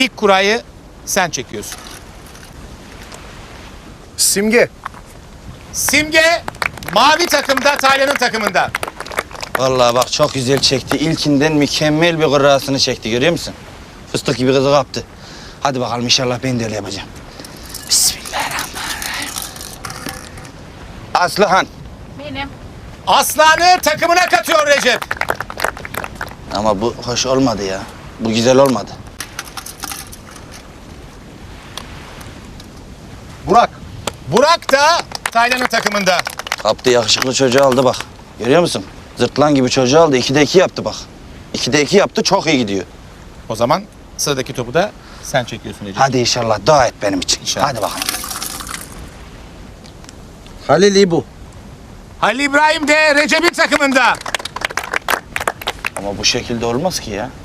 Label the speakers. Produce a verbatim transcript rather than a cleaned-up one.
Speaker 1: İlk kurayı sen çekiyorsun.
Speaker 2: Simge.
Speaker 1: Simge mavi takımda, Taylan'ın takımında.
Speaker 3: Vallahi bak çok güzel çekti. İlkinden mükemmel bir kurrasını çekti, görüyor musun? Fıstık gibi kızı kaptı. Hadi bakalım, inşallah ben de öyle yapacağım. Bismillahirrahmanirrahim. Aslıhan.
Speaker 4: Benim.
Speaker 1: Aslan'ı takımına katıyor Recep.
Speaker 3: Ama bu hoş olmadı ya. Bu güzel olmadı.
Speaker 2: Burak.
Speaker 1: Burak da Taylan'ın takımında.
Speaker 3: Kaptı, yakışıklı çocuğu aldı bak. Görüyor musun? Zırtlan gibi çocuğu aldı. İkide iki yaptı bak. İkide iki yaptı, çok iyi gidiyor.
Speaker 1: O zaman sıradaki topu da sen çekiyorsun Recep.
Speaker 3: Hadi inşallah dua et benim için.
Speaker 1: İnşallah.
Speaker 3: Hadi bakalım. Halil İbu.
Speaker 1: Halil İbrahim de Recep'in takımında.
Speaker 3: Ama bu şekilde olmaz ki ya.